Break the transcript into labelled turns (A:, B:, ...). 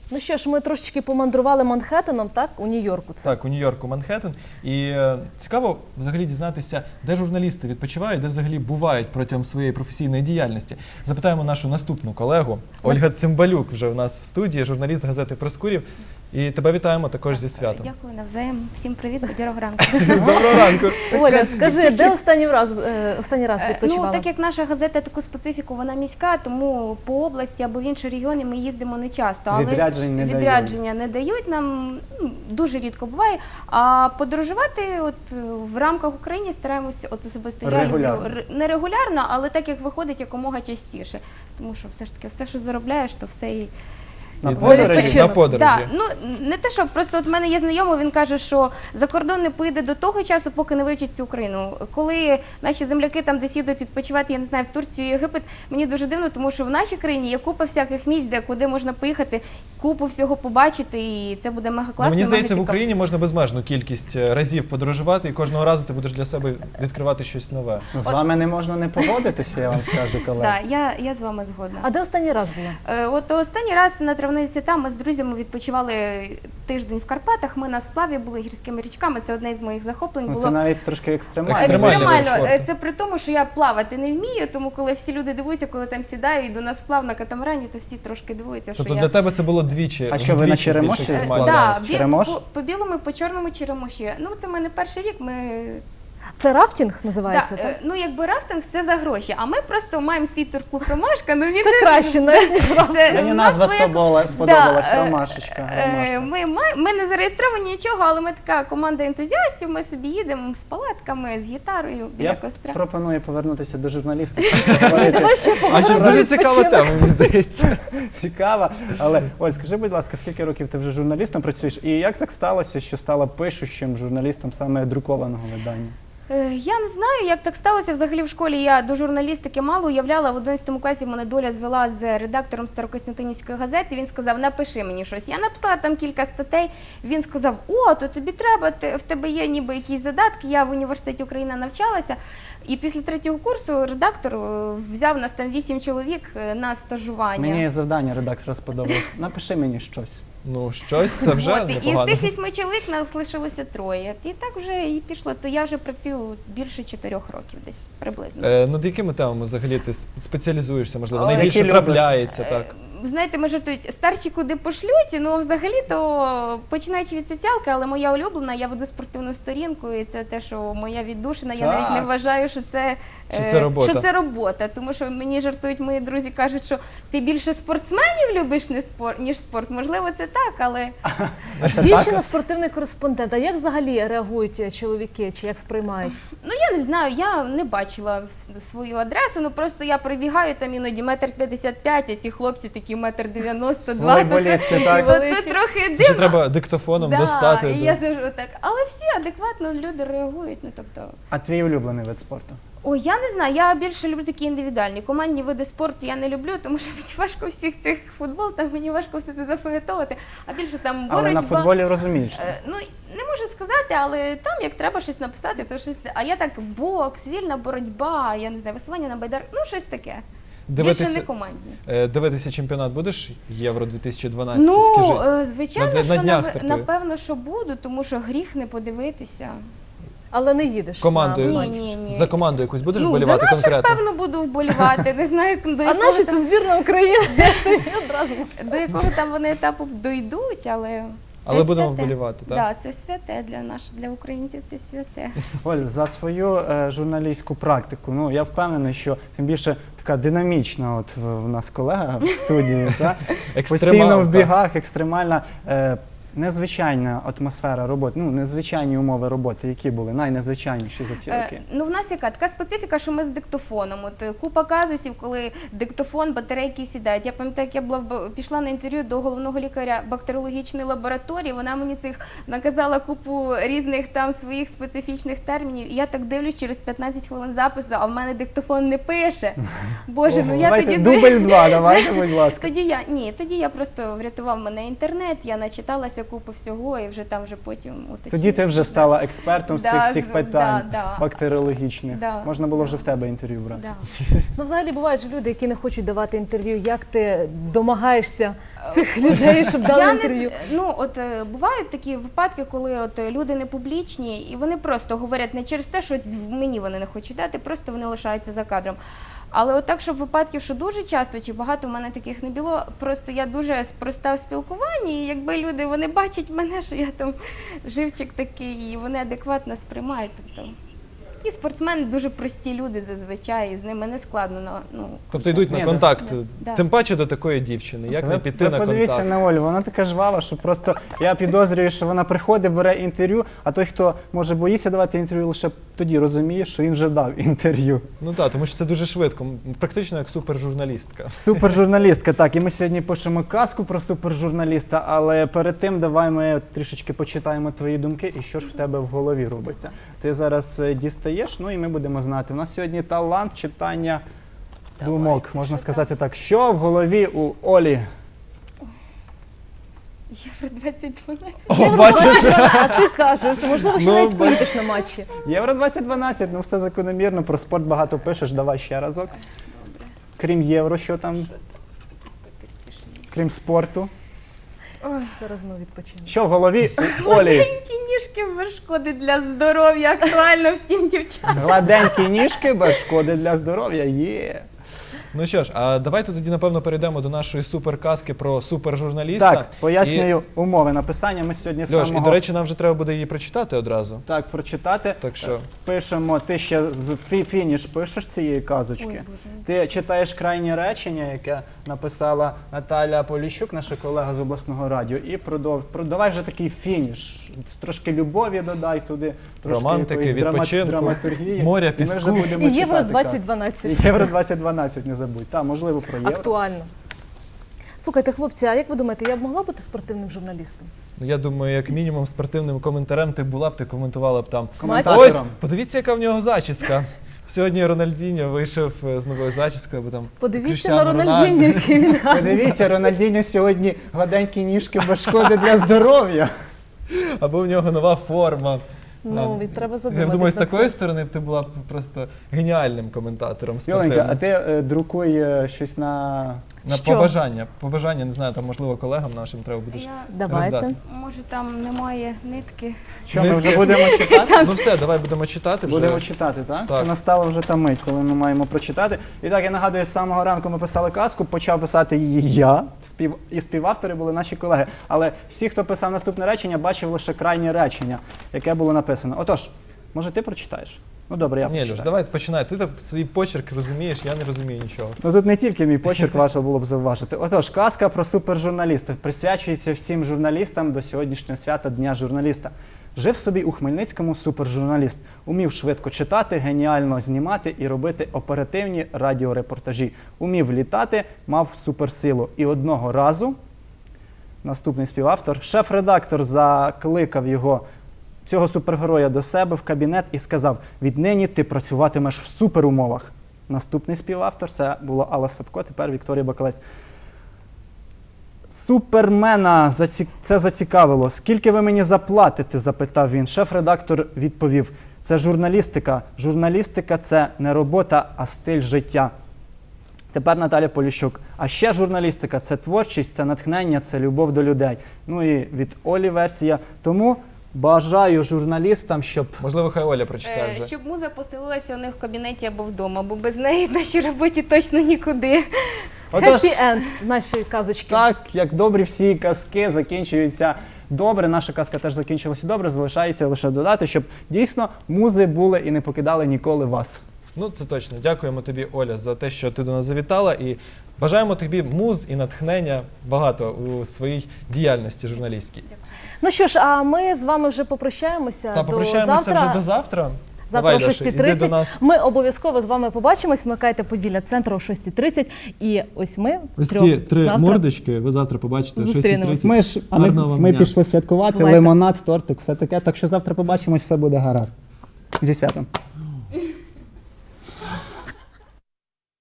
A: Ну що ж, ми трошечки помандрували Манхеттеном, так? У Нью-Йорку це.
B: Так, у Нью-Йорку, Манхеттен. І цікаво взагалі дізнатися, де журналісти відпочивають, де взагалі бувають протягом своєї професійної діяльності. Запитаємо нашу наступну колегу. Ольга Цимбалюк вже у нас в студії, журналіст газети «Проскурів». І тебе вітаємо також зі святом.
C: Дякую, навзаєм. Всім привіт, бадьорого ранку.
B: Доброго ранку.
A: Оля, скажи, де останній раз відпочивала?
C: Ну, так як наша газета таку специфіку, вона міська, тому по області або в інші регіони ми їздимо не часто. Але відрядження не дають нам, дуже рідко буває. А подорожувати в рамках України стараємося, особисто я люблю не регулярно, але так як виходить якомога частіше. Тому що все ж таки, все, що заробляєш, то все і...
B: На подорожі?
C: Да, ну, не те, що просто в мене є знайомий, він каже, що за кордон не поїде до того часу, поки не вивчить цю Україну. Коли наші земляки там десь їдуть відпочивати, я не знаю, в Турцію, Єгипет, мені дуже дивно, тому що в нашій країні є купа всяких місць, куди можна поїхати, купу всього побачити, і це буде мега класно.
B: Мені здається, в Україні можна безмежну кількість разів подорожувати, і кожного разу ти будеш для себе відкривати щось нове.
D: З вами не можна не погодитися, я вам скажу, колеги.
C: Так, я з вами згодна.
A: А де останній раз була?
C: От останній раз на травні свята ми з друзями відпочивали тиждень в Карпатах, ми на сплаві були гірськими річками, це одне з моїх захоплень було.
D: Це навіть трошки екстремально.
C: Екстремально. Це при тому, що я плавати не вмію, тому коли всі люди дивуються, коли там сідаю, йду на сплав на катамарані, то всі трошки дивуються, що
B: тобто для тебе це було двічі?
D: А що, ви на Черемоші?
C: Так, по білому, по чорному Черемоші. Ну, це в мене перший рік, ми...
A: Це рафтинг називається, так?
C: Ну, якби рафтинг – це за гроші, а ми просто маємо свій турклуб «Ромашка».
A: Це краще, навіть, ніж рафтинг.
D: Мені назва сподобалась, «Ромашечка».
C: Ми не зареєстровані нічого, але ми така команда ентузіастів, ми собі їдемо з палатками, з гітарою біля костра.
D: Я пропоную повернутися до журналістики.
B: Дуже цікава тема, мені здається.
D: Цікава. Але, Оль, скажи, будь ласка, скільки років ти вже журналістом працюєш? І як так сталося, що стала пишущим журналістом саме друкованого видання?
C: Я не знаю, як так сталося. Взагалі в школі я до журналістики мало уявляла. В 11 класі мене доля звела з редактором Старокостянтинівської газети. Він сказав, напиши мені щось. Я написала там кілька статей. Він сказав, о, то тобі треба, в тебе є ніби якісь задатки. Я в університеті Україна навчалася. І після 3-го курсу редактор взяв нас там 8 чоловік на стажування.
D: Мені завдання редактора сподобалось. Напиши мені щось.
B: Ну, щось, це вже непогано.
C: І з тих 8 чоловік нас лишилося 3. І так вже і пішло. То я вже працюю більше 4 років десь приблизно.
B: Над якими темами взагалі ти спеціалізуєшся, можливо? Найбільше трапляється, так?
C: Знаєте, ми жартують, старші куди пошлють, ну взагалі-то починаючи від соціалки, але моя улюблена, я веду спортивну сторінку, і це те, що моя віддушина, я навіть не вважаю, що це робота. Тому що мені жартують мої друзі, кажуть, що ти більше спортсменів любиш, ніж спорт. Можливо, це так, але...
A: Дівчина спортивний кореспондент, а як взагалі реагують чоловіки, чи як сприймають?
C: Ну, я не знаю, я не бачила свою адресу, ну просто я прибігаю, там іноді 1,55 м, а ці хлопці такі 1,92 м.
D: Волейболісти, так?
C: Це трохи дивно.
B: Це треба диктофоном достати.
C: Так, і я завжди так. Але всі адекватно люди реагують, ну тобто...
D: А твій улюблений вид спорту?
C: Ой, я не знаю, я більше люблю такі індивідуальні. Командні види спорту я не люблю, тому що мені важко всіх цих футбол, там мені важко все це запам'ятовувати, а більше там боротьба.
D: Але на футболі розумієш?
C: Ну, не можу сказати, але там як треба щось написати, то щось... А я так бокс, вільна боротьба, я не знаю, веслування на байдар, ну щось таке. Більше не командні.
B: Дивитися чемпіонат будеш? Євро 2012,
C: ну,
B: скажи.
C: Ну, звичайно, що напевно, що буду, тому що гріх не подивитися.
A: Але не їдеш?
B: Командою?
C: Ні.
B: За команду якусь будеш вболівати конкретно?
C: За наших, певно, буду вболівати. Не знаю, до
A: а наші це збірна України.
C: До якого там вони етапу дойдуть, але...
B: Але будемо вболівати, так?
C: Так, це святе для українців, це святе.
D: Оль, за свою журналістську практику, ну, я впевнений, що тим більше така динамічна от в нас колега в студії, постійно в бігах, екстремальна, незвичайна атмосфера роботи, ну, незвичайні умови роботи, які були найнезвичайніші за ці роки?
C: Ну, в нас яка така специфіка, що ми з диктофоном. От купа казусів, коли диктофон, батарейки сідають. Я пам'ятаю, як я пішла на інтерв'ю до головного лікаря бактеріологічної лабораторії, вона мені наказала купу різних там своїх специфічних термінів. І я так дивлюсь, через 15 хвилин запису, а в мене диктофон не пише. Боже, ну я тоді...
D: Дубль 2, давайте, будь ласка.
C: Тоді я просто врятував мене інтернет, я начиталася дізнавалася купу всього, і вже там вже потім уточнювалася.
D: Тоді ти вже стала експертом з
C: Да,
D: тих всіх питань
C: да.
D: бактеріологічних.
C: Да.
D: Можна було вже в тебе інтерв'ю брати.
C: Да.
A: Ну, взагалі бувають же люди, які не хочуть давати інтерв'ю. Як ти домагаєшся цих людей, щоб дали
C: Я
A: інтерв'ю?
C: Бувають такі випадки, коли люди не публічні, і вони просто говорять не через те, що мені вони не хочуть дати, просто вони лишаються за кадром. Але от так, щоб випадків, що дуже часто чи багато в мене таких не було, просто я дуже проста в спілкуванні, і якби люди, вони бачать мене, що я там живчик такий, і вони адекватно сприймають. І спортсмени дуже прості люди зазвичай, і з ними не складно.
B: Тобто йдуть на
D: Ні,
B: контакт,
C: да.
B: тим паче до такої дівчини. Як не піти
D: Ви
B: на
D: подивіться
B: контакт?
D: на Олю, вона така жвава, що просто я підозрюю, що вона приходить, бере інтерв'ю, а той, хто може боїться давати інтерв'ю, лише тоді розуміє, що він вже дав інтерв'ю.
B: Ну так, тому що це дуже швидко, практично як супержурналістка.
D: Супержурналістка, так, і ми сьогодні пишемо казку про супержурналіста, але перед тим давай ми трішечки почитаємо твої думки і що ж в тебе в голові робиться. Ти зараз дістаєш, ну і ми будемо знати. У нас сьогодні талант читання думок, можна сказати так. Що в голові у Олі?
C: Євро 2012.
B: О, бачиш?
A: А ти кажеш, можливо, ще
B: Ну,
A: навіть поїдеш на матчі.
D: Євро 2012, ну все закономірно, про спорт багато пишеш, давай ще разок. Крім євро, що там? Крім спорту.
A: Зараз ми відпочинемо.
D: Що в голові у Олі?
C: Маленькі ніжки без шкоди для здоров'я, актуально всім дівчатам.
D: Гладенькі ніжки без шкоди для здоров'я є.
B: Ну що ж, а давайте тоді, напевно, перейдемо до нашої суперказки про супержурналіста.
D: Так, пояснюю умови написання. Ми сьогодні
B: Льош,
D: самого...
B: і, до речі, нам вже треба буде її прочитати одразу.
D: Так, прочитати.
B: Так що...
D: Пишемо, ти ще фініш пишеш цієї казочки.
C: Ой, Боже.
D: Ти читаєш крайнє речення, яке написала Наталя Поліщук, наша колега з обласного радіо, і давай вже такий фініш. Трошки любові додай туди, трошки
B: Романтики,
D: якоїсь
B: відпочинку,
D: драматургії.
B: моря,
D: І ми вже
B: піску.
D: будемо
A: І Євро
D: читати казку.
A: 2012.
D: І Євро 2012, не забудь. Так, можливо, про євро.
A: Актуально. Слухайте, хлопці, а як ви думаєте, я б могла бути спортивним журналістом?
B: Ну, я думаю, як мінімум спортивним коментарем ти була б, ти коментувала б там.
D: Коментатором.
B: Ось, подивіться, яка в нього зачіска. Сьогодні Рональдіньо вийшов з новою зачіскою, бо там
A: Подивіться
B: Кріштіану
A: на Рональдіньо, який він гарний.
D: Подивіться, Рональдіньо сьогодні гладенькі ніжки без шкоди для здоров'я.
B: або в нього нова форма.
A: Ну, і треба задуматися.
B: Я думаю, з
A: над
B: такої
A: цим.
B: сторони ти була б просто геніальним коментатором
D: Йоленька, а
B: спортивним.
D: ти друкуй щось на...
B: На
A: Що?
B: побажання, не знаю, там можливо колегам нашим треба буде.
A: Давайте.
B: роздати.
C: Може там немає нитки.
D: Що, ми вже будемо читати?
B: Ну все, давай будемо читати вже.
D: Будемо читати, так?
B: Так.
D: Це настала вже та мить, коли ми маємо прочитати. І так, я нагадую, з самого ранку ми писали казку, почав писати її я, і співавтори були наші колеги. Але всі, хто писав наступне речення, бачив лише крайнє речення, яке було написано. Отож, може ти прочитаєш? Ну добре, я
B: Ні,
D: прочитаю.
B: Люш, давай починай. Ти там свій почерк розумієш, я не розумію нічого.
D: Ну тут не тільки мій почерк варто було б зауважити. Отож, казка про супержурналіста присвячується всім журналістам до сьогоднішнього свята Дня журналіста. Жив собі у Хмельницькому супержурналіст. Умів швидко читати, геніально знімати і робити оперативні радіорепортажі. Умів літати, мав суперсилу. І одного разу, наступний співавтор, шеф-редактор закликав цього супергероя до себе в кабінет і сказав: «Віднині ти працюватимеш в суперумовах». Наступний співавтор, це була Алла Сапко, тепер Вікторія Бакалець. Супермена це зацікавило. «Скільки ви мені заплатите?» – запитав він. Шеф-редактор відповів: «Це журналістика. Журналістика – це не робота, а стиль життя». Тепер Наталя Поліщук. «А ще журналістика – це творчість, це натхнення, це любов до людей». Ну і від Олі версія. Тому бажаю журналістам, щоб...
B: Можливо, хай Оля прочитає вже.
C: Щоб муза поселилася у них в кабінеті або вдома, бо без неї в нашій роботі точно нікуди.
D: Отож,
A: Хеппі енд нашої казочки.
D: так, як добрі всі казки закінчуються добре, наша казка теж закінчилася добре, залишається лише додати, щоб дійсно музи були і не покидали ніколи вас.
B: Ну, це точно. Дякуємо тобі, Оля, за те, що ти до нас завітала. І бажаємо тобі муз і натхнення багато у своїй діяльності журналістській.
A: Ну що ж, а ми з вами вже попрощаємося.
B: Та попрощаємося
A: до завтра.
B: вже до завтра.
A: Завтра о
B: Давай, Даша, іди до
A: 6:30.
B: нас.
A: Ми обов'язково з вами побачимось. Вмикайте Поділля Центр о 6:30. І ось ми
B: Ось
A: втрьох
B: ці три
A: завтра
B: мордочки ви завтра побачите о
A: Зустрінемось.
B: 6:30.
D: Ми
B: Гарного вам дня.
D: пішли святкувати,
A: Бувайте.
D: лимонад, тортик, все таке. Так що завтра побачимось, все буде гаразд. Зі святом.